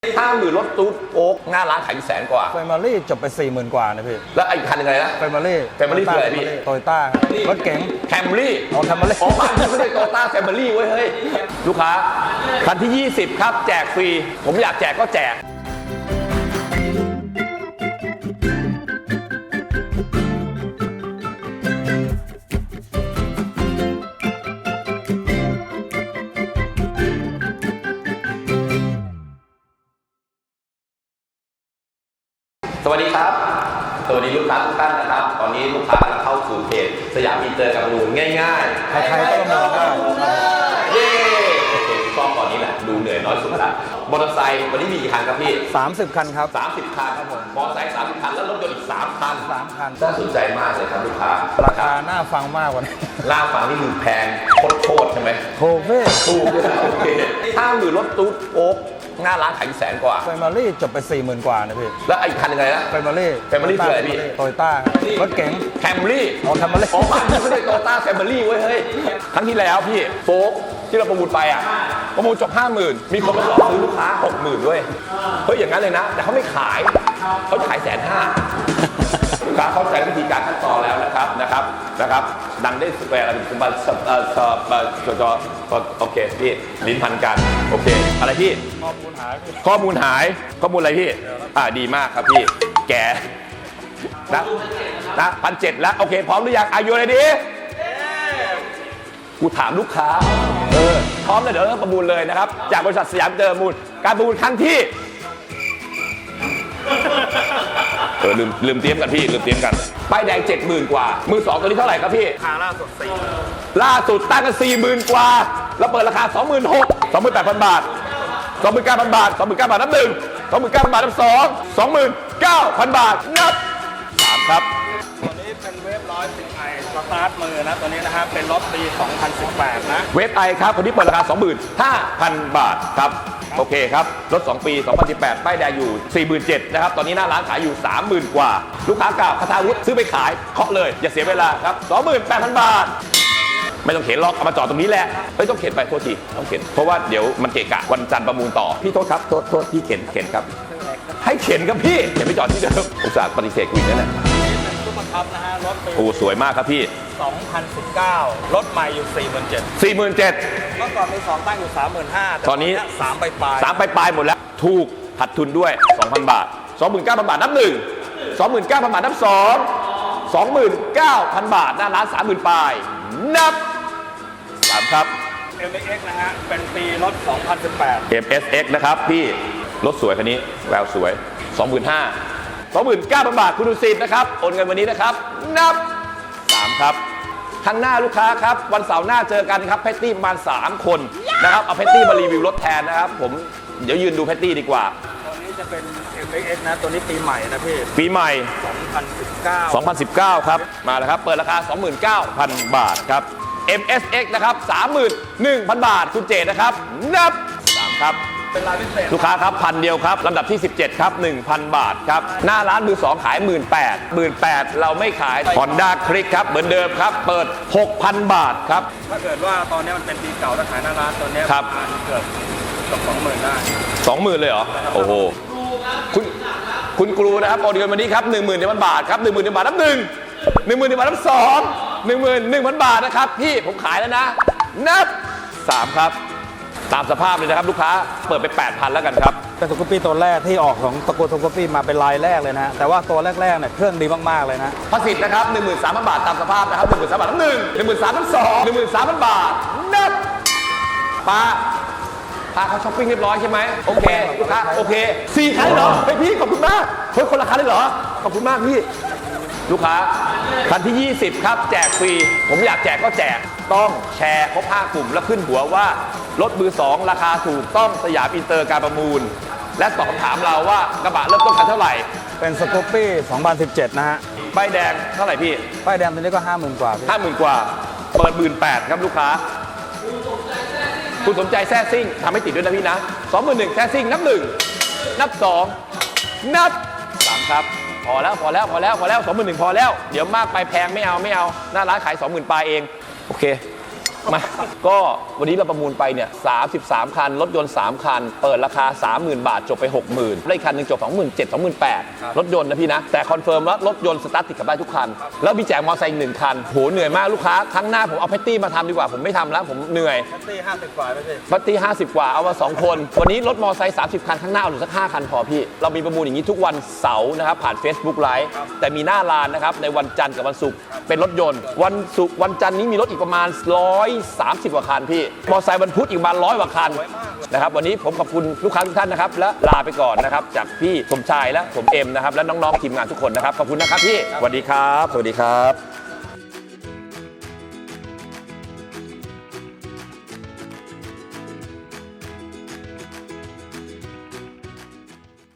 50,000รถตู้โอ๊กหน้าร้านขายอยู่100,000 กว่าไฟมารี่จบไป 40,000 กว่านะพี่แล้วอีกคันยังไงนะไฟมารี่คืออะไรพี่โตโยต้ารถเก๋งแคมรี่แคมรี่บ้านไม่ได้โตโยต้าแคมรี่เว้ยเฮ้ยลูกค้าคันที่ 20 ครับแจกฟรีผมอยากแจกก็แจกสวัสดีครับสวัสดีลูกค้าทุกท่านนะครับตอนนี้ลูกค้ากำลังเข้าสู่เพจสยามอินเตอร์กับมูลง่ายๆใครๆก็ประมูลได้เย้โอเคชอบตอนนี้แหละดูเหนื่อยน้อยสุดละมอเตอร์ไซค์วันนี้มีกี่คันครับพี่ 30 คันครับ 30 คันครับผมมอเตอร์ไซค์30 คันแล้วรถยนต์อีก3 คันน่าสนใจมากเลยครับลูกค้าราคาน่าฟังมากกว่านี้น่าฟังนี่คือแพงโคตรใช่ไหมถูกพี่ถูกโอเค50,000รถตู้โอ๊กหน้าร้านขายอยู่100,000 กว่าไฟมารี่จบไป 40,000 กว่านะพี่แล้วอีกคันยังไงนะไฟมารี่คืออะไรพี่โตโยต้ารถเก๋งแคมรี่แคมรี่บ้านไม่ได้โตโยต้าแคมรี่เว้ยเฮ้ยครั้งที่แล้วพี่โฟล์กที่เราประมูลไปประมูลจบ 50,000มีคนมาหลอกซื้อลูกค้า 60,000ด้วยเฮ้ยอย่างนั้นเลยนะแต่เขาไม่ขายเขาขาย150,000ลูกค้าเข้าใจวิธีการขั้นตอนแล้วนะครับดังได้สแปรอะไรเป็นโอเคพี่ลิ้นพันกันโอเคอะไรพี่ข้อมูลหายข้อมูลอะไรพี่ดีมากครับพี่แกนะ1,700แล้วโอเคพร้อมหรือยังอายุอะไรดีกูถามลูกค้าพร้อมเลยเดี๋ยวเราประมูลเลยนะครับจากบริษัทสยามอินเตอร์มูลการประมูลครั้งที่ลืมเตรียมกันพี่ป้ายแดง 70,000 กว่ามือ2ตัวนี้เท่าไหร่ครับพี่ราคาล่าสุดตั้งกัน 40,000 กว่าแล้วเปิดราคา 26,000 28,000 บาท 29,000 บาท 29,000 บาทนับ1 29,000 บาทนับ2 29,000 บาทนับ3ครับตัวนี้เป็นเวฟ110i สตาร์ทมือนะตัวนี้นะครับเป็นรถปี 2018 นะเวฟไอครับคนที่เปิดราคา 25,000 บาทครับโอเคครับรถ2 ปี 2018 ป้ายแดงอยู่ 47,000 นะครับตอนนี้หน้าร้านขายอยู่ 30,000 กว่าลูกค้าเก่าคาทาวุฒิซื้อไปขายเคาะเลยอย่าเสียเวลาครับ 28,000 บาทไม่ต้องเข็นล็อกเอามาจอดตรงนี้แหละไม่ต้องเข็นไปโทษทีต้องเข็นเพราะว่าเดี๋ยวมันเกะกะวันจันทร์ประมูลต่อพี่โทษครับโทษพี่เข็นครับให้เข็นครับพี่อย่าไปจอดที่เดิมอุตส่าห์ปฏิเสธกูอีกนั่นแหละตู้บังคับนะฮะรถโอ้สวยมากครับพี่ 2019รถใหม่อยู่ 47,000 เมื่อก่อนมี2ตั้งอยู่ 35,000 ตอนนี้ 3ปลายหมดแล้วถูกขาดทุนด้วย 2,000 บาท 29,000 บาทนับ1 29,000 บาทนับ2 29,000 บาทหน้าร้าน 30,000 ปลายนับ3ครับ MSX นะฮะเป็นปีรถ 2018 MSX นะครับพี่รถสวยคันนี้แววสวย 25,000 บาทคุณดุสิตนะครับโอนเงินวันนี้นะครับนับ3ครับข้างหน้าลูกค้าครับวันเสาร์หน้าเจอกันครับแพตตี้ประมาณ3 คนนะครับเอาแพตตี้มารีวิวรถแทนนะครับผมเดี๋ยวยืนดูแพตตี้ดีกว่าตัวนี้จะเป็น MSX นะตัวนี้ปีใหม่นะพี่ปีใหม่2019ครับมาแล้วครับเปิดราคา 29,000 บาทครับ MSX นะครับ 31,000 บาทคุณเจตนะครับนับ3ครับเป็นรายพิเศษลูกค้าครับ1,000 เดียวครับลำดับที่17ครับ 1,000 บาทครับหน้าร้านมือ2ขาย 18,000 เราไม่ขาย Honda Click ครับเหมือนเดิมครับเปิด 6,000 บาทครับถ้าเกิดว่าตอนนี้มันเป็นปีเก่าถ้าขายหน้าร้านตัวนี้ครับเกือบ 20,000 ได้ 20,000 เลยเหรอโอ้โหคุณครูนะครับโอนเงินวันนี้ครับ 10,000 บาทครับ 10,000 บาทนับ1 10,000 บาทนับ2 11,000 บาทนะครับพี่ผมขายแล้วนะนับ3ครับตามสภาพเลยนะครับลูกค้าเปิดไป 8,000 แล้วกันครับเป็นสกูปปี้ตัวแรกที่ออกของตระกูลสกูปปี้มาเป็นลายแรกเลยนะแต่ว่าตัวแรกๆเนี่ยเครื่องดีมากๆเลยนะภาษีนะครับ 13,000 บาทตามสภาพนะครับ 13,000 บาทนับ1 13,000 นับ2 13,000 บาทนับป้าพาเขาช้อปปิ้งเรียบร้อยใช่ไหมโอเคลูกค้าโอเค4 ครั้งเหรอเฮ้ยพี่ขอบคุณมากเฮ้ยคนละคันเลยเหรอขอบคุณมากพี่ลูกค้าคันที่ 20 ครับแจกฟรีผมอยากแจกก็แจกต้องแชร์ครบ5 กลุ่มแล้วขึ้นหัวว่ารถมือ2ราคาถูกต้องสยามอินเตอร์การประมูลและตอบคำถามเราว่ากระบะเริ่มต้นคันเท่าไหร่เป็นสกูปปี้2017นะฮะป้ายแดงเท่าไหร่พี่ป้ายแดงตัวนี้ก็ 50,000 กว่า 50,000 กว่าเปิด 18,000 ครับลูกค้าคุณสมใจแท้ซิ่งทำให้ติดด้วยนะพี่นะ 21,000 แท้ซิ่งนับ1นับ2นับ3ครับพอแล้ว 21,000 พอแล้วเดี๋ยวมากไปแพงไม่เอาหน้าร้านขาย 20,000 ปลายเองโอเคมาก็วันนี้เราประมูลไปเนี่ย33 คัน รถยนต์ 3 คัน เปิดราคา 30,000 บาทจบไป 60,000ได้อีกคันหนึ่งจบ 27,000 28,000 รถยนต์นะพี่นะ แต่คอนเฟิร์มว่ารถยนต์สตาร์ทติดกับได้ทุกคัน แล้วมีแจกมอเตอร์ไซค์อีก1 คันโหเหนื่อยมากลูกค้าครั้งหน้าผมเอาแพตตี้มาทำดีกว่าผมไม่ทำแล้วผมเหนื่อยแท็กซี่50 กว่าไม่ใช่แพตตี้50 กว่าเอามา2 คน วันนี้รถมอเตอร์ไซค์30 คันข้างหน้าเอาหรือสัก5 คันพอพี่เรามีประมูลอย่างนี้ทุกวันเสาร์นะครับผ่าน Facebook Live แต่มีหน้าร้านนะครับในวันจันทร์กับวันศุกร์เป็นรถยนต์วันศุกร์วันจันทร์นี้มีรถอีกประมาณ130 กว่าคันพี่มอเตอร์ไซค์วันพุธอีกประมาณ100 กว่าคันนะครับวันนี้ผมขอบคุณลูกค้าทุกท่านนะครับและลาไปก่อนนะครับจากพี่สมชายและผมเอ็มนะครับและน้องๆทีมงานทุกคนนะครับขอบคุณนะครับพี่สวัสดีครับสวัสดีครับ